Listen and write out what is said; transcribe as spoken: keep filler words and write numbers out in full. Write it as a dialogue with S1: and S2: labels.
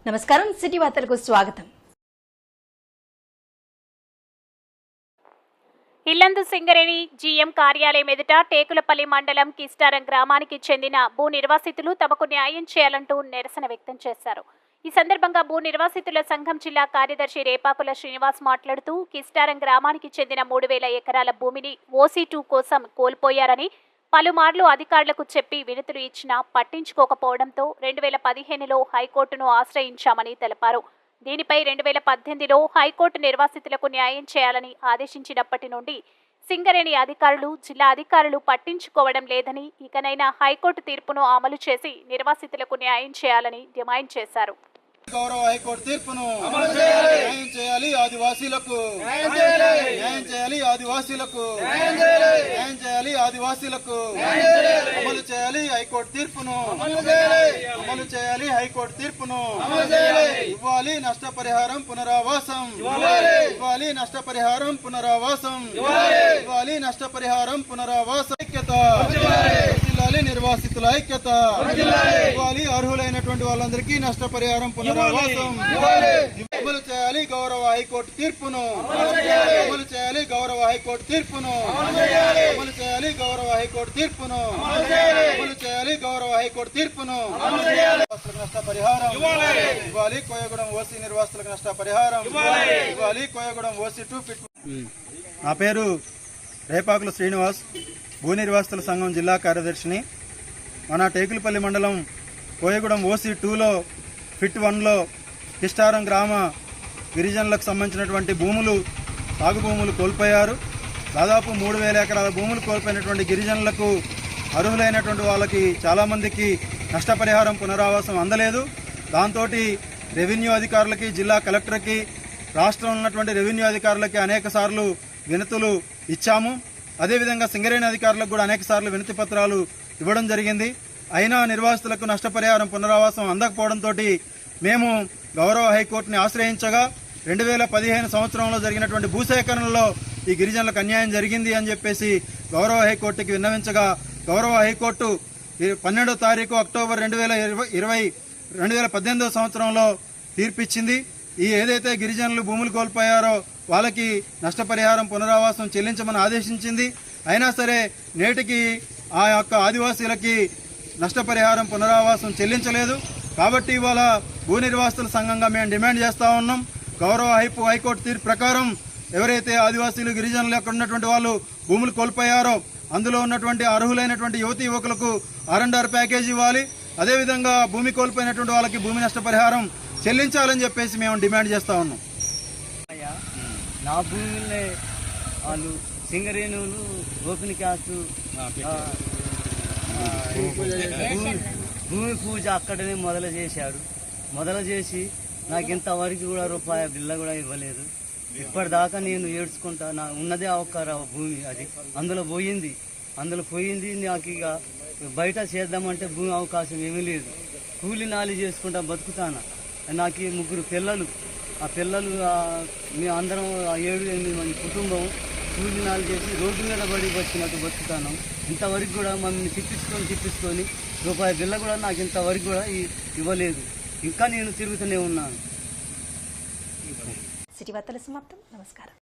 S1: నమస్కారం సిటీ వార్తలకు స్వాగతం.
S2: ఇల్లందు సింగరేణి జీఎం కార్యాలయం ఎదుట టేకులపల్లి మండలం కిస్టారం గ్రామానికి చెందిన భూ నిర్వాసితులు తమకు న్యాయం చేయాలంటూ నిరసన వ్యక్తం చేశారు. ఈ సందర్భంగా భూ నిర్వాసితుల సంఘం జిల్లా కార్యదర్శి రేపాకుల శ్రీనివాస్ మాట్లాడుతూ కిస్టారం గ్రామానికి చెందిన మూడు వేల ఎకరాల భూమిని ఓసీ టూ కోసం కోల్పోయారని, పలుమార్లు అధికారులకు చెప్పి వినతులు ఇచ్చినా పట్టించుకోకపోవడంతో రెండు వేల పదిహేనులో హైకోర్టును ఆశ్రయించామని తెలిపారు. దీనిపై రెండు వేల పద్దెనిమిదిలో హైకోర్టు నిర్వాసితులకు న్యాయం చేయాలని ఆదేశించినప్పటి నుండి సింగరేణి అధికారులు, జిల్లా అధికారులు పట్టించుకోవడం లేదని, ఇకనైనా హైకోర్టు తీర్పును అమలు చేసి నిర్వాసితులకు న్యాయం చేయాలని డిమాండ్ చేశారు.
S3: గౌరవ హైకోర్టు తీర్పును న్యాయం చేయాలి, ఆదివాసీలకు న్యాయం చేయాలి, ఆదివాసీలకు న్యాయం చేయాలి, ఆదివాసీలకు అమలు చేయాలి, హైకోర్టు తీర్పును అమలు చేయాలి, హైకోర్టు తీర్పును ఇవ్వాలి, నష్టపరిహారం పునరావాసం ఇవ్వాలి, నష్టపరిహారం పునరావాసం ఇవ్వాలి, నష్టపరిహారం పునరావాసం ఐక్యత జిల్లాలి నిర్వాసితుల ఐక్యత ఇవ్వాలి, అర్హులైనటువంటి వాళ్ళందరికీ నష్టపరిహారం పునరావాసం అమలు చేయాలి, గౌరవ హైకోర్టు తీర్పును అమలు చేయాలి, గౌరవ హైకోర్టు తీర్పును అమలు చేయాలి, గౌరవ హైకోర్టు తీర్పును అమలు చేయాలి, గౌరవ హైకోర్టు తీర్పును నష్టపరిహారం ఇవ్వాలి, కోయగూడెం ఓసీ నిర్వాసితులకు నష్టపరిహారం ఇవ్వాలి, కోయగూడెం ఓసీ టూ ఫిట్. నా పేరు రేపాకుల శ్రీనివాస్, భూ నిర్వాసితుల సంఘం జిల్లా కార్యదర్శిని. మన టేకులపల్లి మండలం కోయగూడెం ఓసీ టూలో ఫిట్ వన్లో కిస్టారం గ్రామ గిరిజనులకు సంబంధించినటువంటి భూములు, సాగు భూములు కోల్పోయారు. దాదాపు మూడు వేల ఎకరాల భూములు కోల్పోయినటువంటి గిరిజనులకు, అర్హులైనటువంటి వాళ్ళకి చాలామందికి నష్టపరిహారం పునరావాసం అందలేదు. దాంతో రెవెన్యూ అధికారులకి, జిల్లా కలెక్టర్కి, రాష్ట్రంలో ఉన్నటువంటి రెవెన్యూ అధికారులకి అనేక సార్లు వినతులు ఇచ్చాము. అదేవిధంగా సింగరేణి అధికారులకు కూడా అనేక సార్లు వినతి పత్రాలు ఇవ్వడం జరిగింది. అయినా నిర్వాసితులకు నష్టపరిహారం పునరావాసం అందకపోవడంతో మేము గౌరవ హైకోర్టుని ఆశ్రయించగా రెండు వేల పదిహేను సంవత్సరంలో జరిగినటువంటి భూసేకరణలో ఈ గిరిజనులకు అన్యాయం జరిగింది అని చెప్పేసి గౌరవ హైకోర్టుకి విన్నవించగా గౌరవ హైకోర్టు పన్నెండో తారీఖు అక్టోబర్ రెండు వేల ఇరవై ఇరవై రెండు వేల పద్దెనిమిదో సంవత్సరంలో తీర్పిచ్చింది. ఈ ఏదైతే గిరిజనులు భూములు కోల్పోయారో వాళ్ళకి నష్టపరిహారం పునరావాసం చెల్లించమని ఆదేశించింది. అయినా సరే నేటికి ఆ యొక్క ఆదివాసీలకి నష్టపరిహారం పునరావాసం చెల్లించలేదు. కాబట్టి ఇవాళ భూ నిర్వాసితుల సంఘంగా మేము డిమాండ్ చేస్తూ ఉన్నాం. గౌరవ హైపు హైకోర్టు తీర్పు ప్రకారం ఎవరైతే ఆదివాసీలు, గిరిజనులు అక్కడ ఉన్నటువంటి వాళ్ళు భూములు కోల్పోయారో అందులో ఉన్నటువంటి అర్హులైనటువంటి యువతి యువకులకు ఆర్ అండ్ ఆర్ ప్యాకేజ్ ఇవ్వాలి. అదేవిధంగా భూమి కోల్పోయినటువంటి వాళ్ళకి భూమి నష్టపరిహారం చెల్లించాలని చెప్పేసి మేము డిమాండ్ చేస్తూ ఉన్నాం.
S4: నా భూమిలో వాళ్ళు సింగరేణులు ఓపెన్ క్యాస్ట్ భూమి పూజ అక్కడనే మొదలు చేశాడు. మొదలు చేసి నాకు ఇంతవరకు కూడా రూపాయి బిల్ల కూడా ఇవ్వలేదు. ఇప్పటిదాకా నేను ఏడ్చుకుంటా, నా ఉన్నదే అవకార భూమి, అది అందులో పోయింది అందులో పోయింది నాకు ఇక బయట చేద్దామంటే భూమి అవకాశం ఏమీ లేదు. కూలి నాలి చేసుకుంటా బతుకుతాను. నాకు ఈ ముగ్గురు పిల్లలు, ఆ పిల్లలు మేము అందరం ఏడు ఎనిమిది మంది కుటుంబం కూలి నాలు చేసి రోడ్డు మీద పడి వచ్చినట్టు బతుకుతాను. ఇంతవరకు కూడా మమ్మల్ని తిప్పించుకొని తిప్పించుకొని రూపాయి బిల్ల కూడా నాకు ఇంతవరకు కూడా ఇవ్వలేదు. ఇంకా నేను తిరుగుతూనే ఉన్నాను.
S1: సిటీ వార్తల సమాప్తం. నమస్కారం.